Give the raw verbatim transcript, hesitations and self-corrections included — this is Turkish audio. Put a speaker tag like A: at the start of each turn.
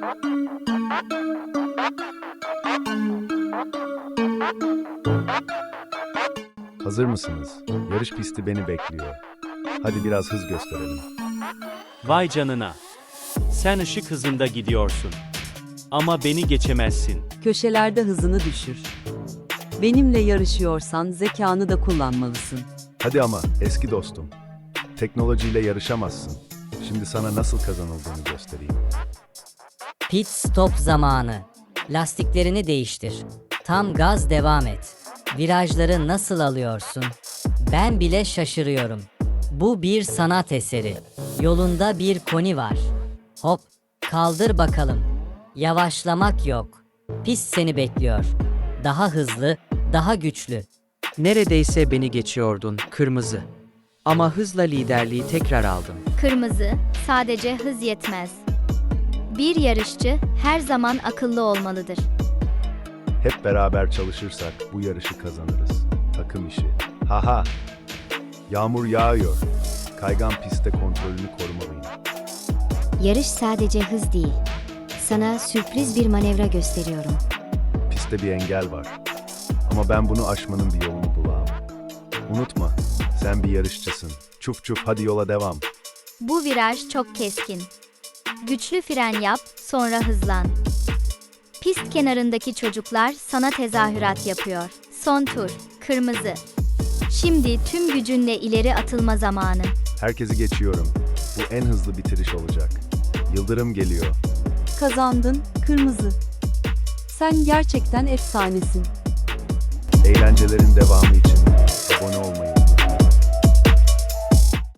A: Hazır mısınız? Yarış pisti beni bekliyor. Hadi biraz hız gösterelim.
B: Vay canına. Sen ışık hızında gidiyorsun. Ama beni geçemezsin.
C: Köşelerde hızını düşür. Benimle yarışıyorsan zekanı da kullanmalısın.
A: Hadi ama eski dostum. Teknolojiyle yarışamazsın. Şimdi sana nasıl kazanıldığını göstereyim.
D: Pit stop zamanı. Lastiklerini değiştir. Tam gaz devam et. Virajları nasıl alıyorsun? Ben bile şaşırıyorum. Bu bir sanat eseri. Yolunda bir koni var. Hop, kaldır bakalım. Yavaşlamak yok. Pist seni bekliyor. Daha hızlı, daha güçlü.
E: Neredeyse beni geçiyordun, kırmızı. Ama hızla liderliği tekrar aldım.
F: Kırmızı, sadece hız yetmez. Bir yarışçı her zaman akıllı olmalıdır.
A: Hep beraber çalışırsak bu yarışı kazanırız. Takım işi. Haha. Yağmur yağıyor. Kaygan pistte kontrolünü korumalıyım.
G: Yarış sadece hız değil. Sana sürpriz bir manevra gösteriyorum.
A: Pistte bir engel var. Ama ben bunu aşmanın bir yolunu bulacağım. Unutma, sen bir yarışçısın. Çuf çuf hadi yola devam.
F: Bu viraj çok keskin. Güçlü fren yap, sonra hızlan. Pist kenarındaki çocuklar sana tezahürat yapıyor. Son tur, kırmızı. Şimdi tüm gücünle ileri atılma zamanı.
A: Herkesi geçiyorum. Bu en hızlı bitiriş olacak. Yıldırım geliyor.
C: Kazandın, kırmızı. Sen gerçekten efsanesin.
A: Eğlencelerin devamı için abone olmayı